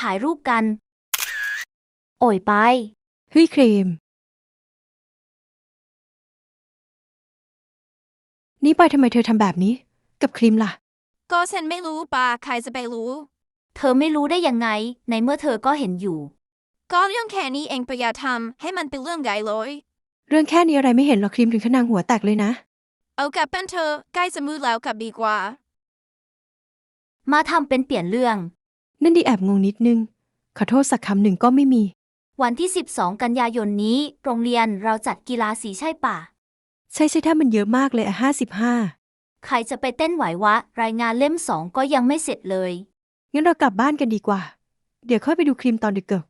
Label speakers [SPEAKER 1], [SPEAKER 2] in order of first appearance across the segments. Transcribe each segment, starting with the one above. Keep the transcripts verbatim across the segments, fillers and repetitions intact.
[SPEAKER 1] ถ่ายรูปกันโอ่ยไป
[SPEAKER 2] เฮ้ยครีมนี่ปายทำไมเธอทำแบบนี้กับครีมล่ะ
[SPEAKER 3] ก็ฉันไม่รู้ปาใครจะไปรู้
[SPEAKER 1] เธอไม่รู้ได้ยังไงในเมื่อเธอก็เห็นอยู่
[SPEAKER 3] ก็เรื่องแค่นี้เองประหยัดทำให้มันเป็นเรื่องใหญ่เลย
[SPEAKER 2] เรื่องแค่นี้อะไรไม่เห็นหรอกครีมถึงขนาดหัวแตกเลยนะ
[SPEAKER 3] เอากลับเป็นเธอใกล้จะมืดแล้วกลับดีกว่า
[SPEAKER 1] มาทำเป็นเปลี่ยนเรื่อง
[SPEAKER 2] นั่นดีแอบงงนิดนึงขอโทษสักคำหนึ่งก็ไม่มี
[SPEAKER 1] วันที่สิบสองกันยายนนี้โรงเรียนเราจัดกีฬาสีใช่ป่ะ
[SPEAKER 2] ใช่ใช่ถ้ามันเยอะมากเลยอะห้าสิบห้า
[SPEAKER 1] ใครจะไปเต้นไหววะรายงานเล่มสองก็ยังไม่เสร็จเลย
[SPEAKER 2] งั้นเรากลับบ้านกันดีกว่าเดี๋ยวค่อยไปดูครีมตอนดึกเกิน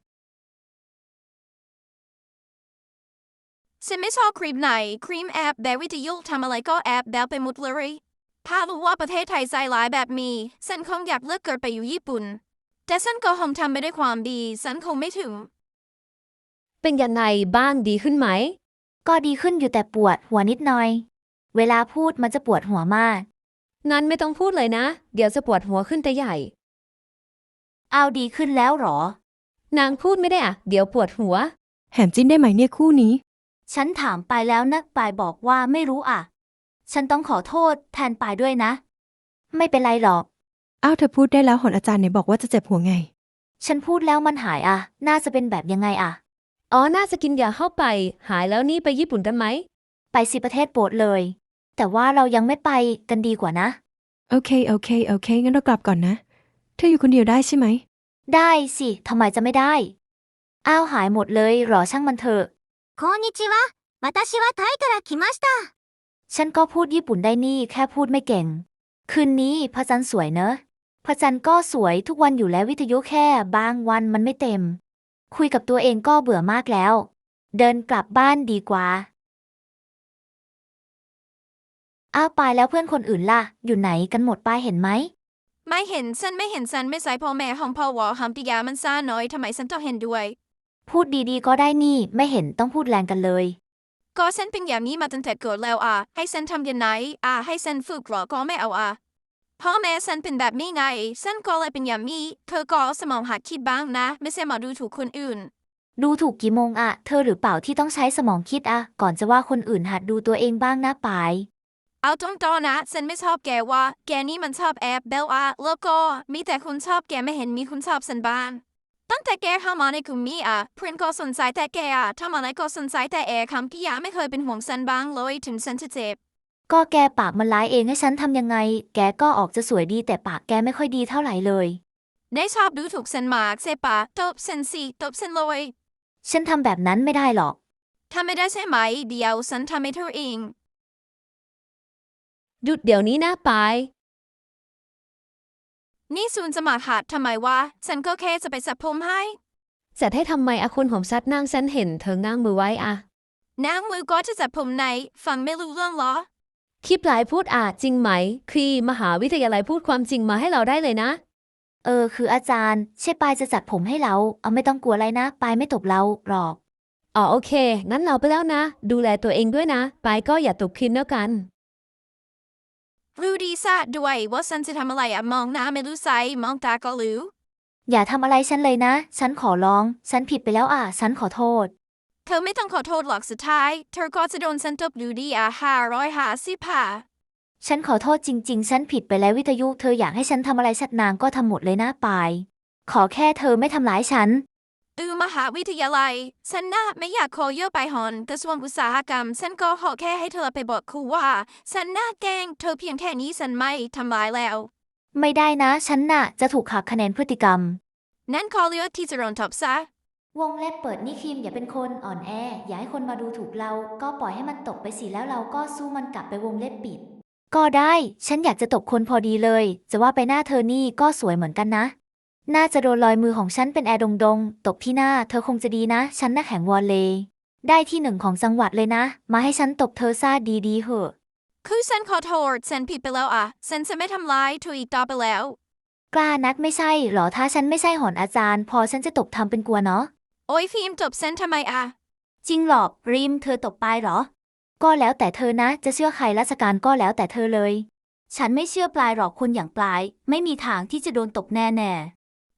[SPEAKER 3] ฉันไม่ชอบครีมไหนครีมแอปแบบวิทยุทำอะไรก็แอปแบบไปหมดเลยถ้ารู้ว่าประเทศไทยใจร้ายแบบนี้ฉันคงอยากเลิกเกิดไปอยู่ญี่ปุ่นแต่ฉันก็คงทำไม่ได้ความดีฉันคงไม่ถึง
[SPEAKER 4] เป็นยังไงบ้างดีขึ้นไหม
[SPEAKER 1] ก็ดีขึ้นอยู่แต่ปวดหัวนิดหน่อยเวลาพูดมันจะปวดหัวมาก
[SPEAKER 4] งั้นไม่ต้องพูดเลยนะเดี๋ยวจะปวดหัวขึ้นแต่ใหญ่
[SPEAKER 1] เอาดีขึ้นแล้วหรอ
[SPEAKER 4] นางพูดไม่ได้อะเดี๋ยวปวดหัว
[SPEAKER 2] แหมจิ้นได้ไหมเนี่ยคู่นี้
[SPEAKER 1] ฉันถามปายแล้วนะปายบอกว่าไม่รู้อ่ะฉันต้องขอโทษแทนปายด้วยนะไม่เป็นไรหรอก
[SPEAKER 2] อ้าวเธอพูดได้แล้วหนอาจารย์ไหนบอกว่าจะเจ็บหัวไง
[SPEAKER 1] ฉันพูดแล้วมันหายอ่ะน่าจะเป็นแบบยังไงอ่ะ
[SPEAKER 4] อ๋อน่าจะกินยาเข้าไปหายแล้วนี่ไปญี่ปุ่นกันไหม
[SPEAKER 1] ไปสิประเทศโปรดเลยแต่ว่าเรายังไม่ไปกันดีกว่านะ
[SPEAKER 2] โอเคโอเคโอเคงั้นเรากลับก่อนนะเธออยู่คนเดียวได้ใช่ไหม
[SPEAKER 1] ได้สิทำไมจะไม่ได้อ้าวหายหมดเลยหรอช่างมันเถอะ
[SPEAKER 5] こんにちは私はタイから来ました
[SPEAKER 1] ฉันก็พูดญี่ปุ่นได้นี่แค่พูดไม่เก่งคืนนี้พระจันทร์สวยเนอะพระจันทร์ก็สวยทุกวันอยู่แล้ววิทยุแค่บางวันมันไม่เต็มคุยกับตัวเองก็เบื่อมากแล้วเดินกลับบ้านดีกว่าอ้าวปายแล้วเพื่อนคนอื่นล่ะอยู่ไหนกันหมดปายเห็นไหม
[SPEAKER 3] ไม่เห็นฉันไม่เห็นฉันไม่ใส่พ่อแม่ของพ่อวอคำปิยามันซ่าน้อยทำไมฉันต้องเห็นด้วย
[SPEAKER 1] พูดดีๆก็ได้นี่ไม่เห็นต้องพูดแรงกันเลย
[SPEAKER 3] ก็ฉันเป็นอย่างนี้มาตั้งแต่เกิดแล้วอ่ะให้ฉันทำยังไงอ่ะให้ฉันฝึกหรอก็ไม่เอาอ่ะพ่อแม่ฉันเป็นแบบนี้ไงฉันก็เลยเป็นอย่างนี้เธอก็สมองหัดคิดบ้างนะไม่ใช่มาดูถูกคนอื่น
[SPEAKER 1] ดูถูกกี่โมงอะเธอหรือเปล่าที่ต้องใช้สมองคิดอะก่อนจะว่าคนอื่นหัดดูตัวเองบ้างนะปาย
[SPEAKER 3] เอาตรงๆนะฉันไม่ชอบแกว่าแกนี่มันชอบแอบเบลอ่ะแล้วก็มีแต่คุณชอบแกไม่เห็นมีคุณชอบฉันบ้างตั้งแต่แกเข้ามาในกลุ่มนี้อ่ะเพื่อนก็สนใจแต่แกอ่ะทำอะไรก็สนใจแต่แอร์คำกิยาไม่เคยเป็นห่วงฉันบ้างเลยถึงฉันจะเจ็บ
[SPEAKER 1] ก็แกปากมันร้ายเองให้ฉันทำยังไงแกก็ออกจะสวยดีแต่ปากแกไม่ค่อยดีเท่าไหร่เลย
[SPEAKER 3] ได้ชอบดูถูกฉันมากใช่ปะตบฉันสิตบฉันเลย
[SPEAKER 1] ฉันทำแบบนั้นไม่ได้หรอก
[SPEAKER 3] ทำไม่ได้ใช่ไหมเดี๋ยวฉันทำให้เธอเอง
[SPEAKER 4] หยุดเดี๋ยวนี้นะปาย
[SPEAKER 3] นี่ซูนจะมาหัดทำไมวะฉันก็แค่จะไปสระผมให้
[SPEAKER 4] จะให้ทำไมอะคนผมชัดนางฉันเห็นเธอนั่งมือไว้อะ
[SPEAKER 3] นางมือก็จะสระผมไหนฟังไม่รู้เรื่องเหรอ
[SPEAKER 4] คลิปหลายพูดอะจริงไหมครีมหาวิทยาลัยพูดความจริงมาให้เราได้เลยนะ
[SPEAKER 1] เออคืออาจารย์ใช่ปายจะจัดผมให้เราเอาไม่ต้องกลัวอะไรนะปายไม่ตบเราหรอก
[SPEAKER 4] อ๋อโอเคงั้นเราไปแล้วนะดูแลตัวเองด้วยนะปายก็อย่าตกครีมแล้วกัน
[SPEAKER 3] รู้ดีซะด้วยว่าฉันจะทำอะไรอะมองหน้าไม่รู้ใสมองตาก็รู้
[SPEAKER 1] อย่าทำอะไรฉันเลยนะฉันขอร้องฉันผิดไปแล้วอ่ะฉันขอโทษ
[SPEAKER 3] เธอไม่ต้องขอโทษหรอกสุดท้ายเธอก็จะโดนฉันตบอยู่ดีอ่ะห้าร้อยห้าสิบห้า
[SPEAKER 1] ฉันขอโทษจริงๆฉันผิดไปแล้ววิทยุเธออยากให้ฉันทำอะไรสักนางก็ทำหมดเลยนะปายขอแค่เธอไม่ทำร้ายฉัน
[SPEAKER 3] อือมหาวิทยาลัยฉันน่ะไม่อยากขอเยอะไปหอนกระทรวงอุตสาหกรรมฉันก็ขอแค่ให้เธอไปบอกครูว่าฉันน่าแกล้งเธอเพียงแค่นี้ฉันไม่ทำร้ายแล้ว
[SPEAKER 1] ไม่ได้นะฉันน่ะจะถูกหักคะแนนพฤติกรรม
[SPEAKER 3] นั่นขอเลือกที่จะโดนตบซะ
[SPEAKER 1] วงเล็บเปิดนี่คิมอย่าเป็นคนอ่อนแออย่าให้คนมาดูถูกเราก็ปล่อยให้มันตกไปสิแล้วเราก็สู้มันกลับไปวงเล็บปิดก็ได้ฉันอยากจะตบคนพอดีเลยจะว่าไปหน้าเธอนี่ก็สวยเหมือนกันนะน่าจะโดนรอยมือของฉันเป็นแอร์ดงดงตบที่หน้าเธอคงจะดีนะฉันน่ะแข่งวอลเลย์ได้ที่หนึ่งของจังหวัดเลยนะมาให้ฉันตบเธอซะดีๆเหอะ
[SPEAKER 3] คือฉันขอโทษฉันผิดไปแล้วอ่ะฉันจะไม่ทำร้ายเธออีกต่อไปแล้ว
[SPEAKER 1] กล้านักไม่ใช่หรอถ้าฉันไม่ใช่หอนอาจารย์พอฉันจะตบทำเป็นกลัวเนาะ
[SPEAKER 3] โอ้ยฟิล์มตบฉันทำไมอ่ะ
[SPEAKER 1] จริงหรอกริมเธอตบปายหรอก็แล้วแต่เธอนะจะเชื่อใครราชการก็แล้วแต่เธอเลยฉันไม่เชื่อปลายหรอกคนอย่างปลายไม่มีทางที่จะโดนตบแน่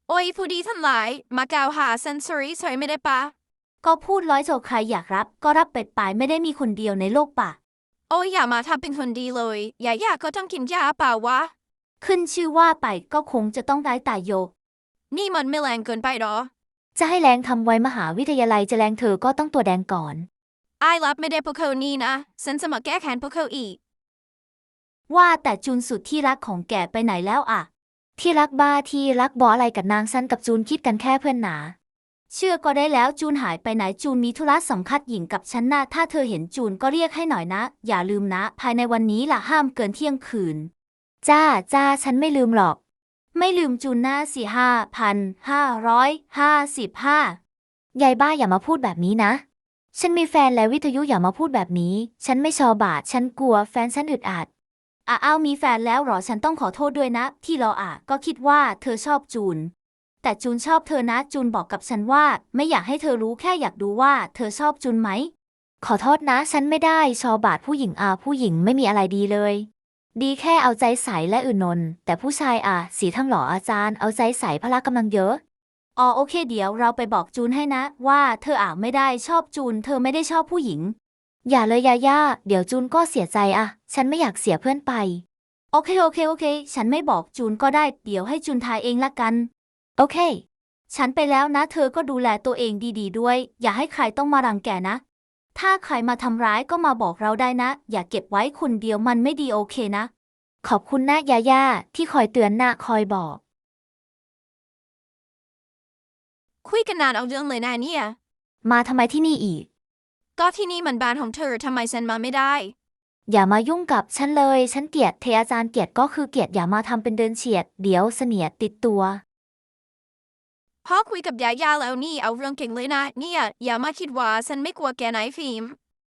[SPEAKER 3] โอ้ยผู้ดีทั้งหลายมากล่าวหาฉันสอรี่สอยไม่ได้ปะ
[SPEAKER 1] ก็พูดร้อยโจใครอยากรับ ก็รับเป็ดไปไม่ได้มีคนเดียวในโลกปะ
[SPEAKER 3] โอ้ยอย่ามาทำเป็นคนดีเลยอย่าอยากก็ต้องกินยาเปล่าวะ
[SPEAKER 1] ขึ้นชื่อว่าไปก็คงจะต้องได้ตายโย
[SPEAKER 3] นี่มันไม่แรงเกินไปหรอ
[SPEAKER 1] จะให้แรงทำไว้มหาวิทยาลัยจะแรงเธอก็ต้องตัวแดงก่อน
[SPEAKER 3] ไอ้รับไม่ได้พวกเขานี่นะฉันจะมาแก้แค้นพวกเขาอีก
[SPEAKER 1] ว่าแต่จูนสุดที่รักของแกไปไหนแล้วอะที่รักบ้าที่รักบออะไรกับนางซันกับจูนคิดกันแค่เพื่อนหนา เชื่อก็ได้แล้วจูนหายไปไหนจูนมีธุระสำคัญหญิงกับฉันนะถ้าเธอเห็นจูนก็เรียกให้หน่อยนะ อย่าลืมนะ ภายในวันนี้ล่ะห้ามเกินเที่ยงคืน จ้าจ้าฉันไม่ลืมหรอก ไม่ลืมจูนหน้าสี่ห้าพันห้าร้อยห้าสิบห้ายายบ้าอย่ามาพูดแบบนี้นะ ฉันมีแฟนแล้ววิทยุอย่ามาพูดแบบนี้ ฉันไม่ชอบบาดฉันกลัวแฟนฉันอึดอัดอ่ะอ้าวมีแฟนแล้วเหรอฉันต้องขอโทษด้วยนะ ที่รออ่ะก็คิดว่าเธอชอบจูน แต่จูนชอบเธอนะจูนบอกกับฉันว่า ไม่อยากให้เธอรู้แค่อยากดูว่าเธอชอบจูนไหม ขอโทษนะ ฉันไม่ได้ชอบบาดผู้หญิงอ่ะผู้หญิงไม่มีอะไรดีเลย ดีแค่เอาใจใส่และอื่นนนแต่ผู้ชายอ่ะสีทั้งหล่ออาจารย์เอาใจใส่พละกำลังเยอะอ๋อโอเคเดี๋ยวเราไปบอกจูนให้นะ ว่าเธออ่ะไม่ได้ชอบจูน เธอไม่ได้ชอบผู้หญิง อย่าเลยยาย่าเดี๋ยวจูนก็เสียใจอ่ะฉันไม่อยากเสียเพื่อนไป โอเคโอเคโอเค ฉันไม่บอกจูนก็ได้เดี๋ยวให้จูนทายเองละกัน โอเค ฉันไปแล้วนะ เธอก็ดูแลตัวเองดีๆด้วย อย่าให้ใครต้องมารังแกนะ ถ้าใครมาทำร้ายก็มาบอกเราได้นะ อย่าเก็บไว้คนเดียวมันไม่ดีโอเคนะ ขอบคุณนะยาย่าที่คอยเตือนนะคอยบอก
[SPEAKER 3] คุยกันนานเอาเรื่องเลยนะเนี่ย
[SPEAKER 1] มาทำไมที่นี่อีก
[SPEAKER 3] ก็ที่นี่มันบ้านของเธอทำไมฉันมาไม่ได้
[SPEAKER 1] อย่ามายุ่งกับฉันเลย ฉันเกลียดเทอาจารย์เกลียดก็คือเกลียดอย่ามาทำเป็นเดินเฉียด เดี๋ยวเสนียดติดตัว
[SPEAKER 3] พอคุยกับยายาแล้วนี่เอาเรื่องเก่งเลยนะเนี่ยอย่ามาคิดว่าฉันไม่กลัวแกไหนฟิล์ม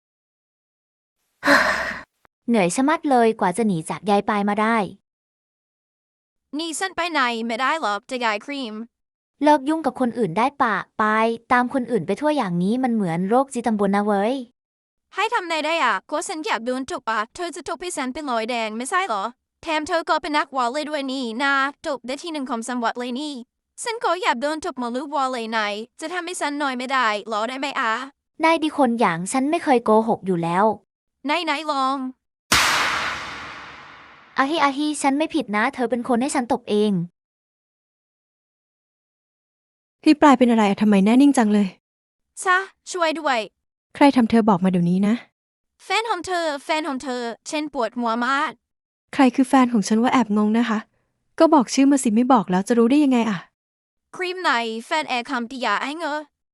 [SPEAKER 1] เหนื่อยชะมัดเลยกว่าจะหนีจากยายปายมาได้
[SPEAKER 3] นี่ฉันไปไหนไม่ได้หรอกจะยายครีม
[SPEAKER 1] เลิกยุ่งกับคนอื่นได้ปะปายตามคนอื่นไปทั่วอย่างนี้มันเหมือนโรคจิตตำบลนะเว้ย
[SPEAKER 3] ให้ทำไงได้อ่ะก็ฉันอยากโดนจบอ่ะเธอจะจบให้ฉันเป็นรอยแดงไม่ใช่เหรอแถมเธอก็เป็นนักวอลเลย์ด้วยนี่นะจบได้ที่หนึ่งของจังหวัดเลยนี่ฉันก็อยากโดนจบมาลูกวอลเลย์ไหนจะทำให้ฉันหน่อยไม่ได้หรอได้ไหมอ่ะ
[SPEAKER 1] นายดีคนอย่างฉันไม่เคยโกหกอยู่แล้ว
[SPEAKER 3] ไหนไหนลอง
[SPEAKER 1] อาฮิอาฮิฉันไม่ผิดนะ เธอเป็นคนให้ฉันตบเอง
[SPEAKER 2] พี่ปลายเป็นอะไรอะทำไมแน่นิ่งจังเลย
[SPEAKER 3] ซะช่วยด้วย
[SPEAKER 2] ใครทำเธอบอกมาเดี๋ยวนี้นะ
[SPEAKER 3] แฟนของเธอแฟนของเธอฉันปวดหัวมาก
[SPEAKER 2] ใครคือแฟนของฉันว่าแอบงงนะคะ ก็บอกชื่อมาสิไม่บอกแล้วจะรู้ได้ยังไงอะ
[SPEAKER 3] ครีมไหนแฟนแอร์คำติยาไอ้เงอ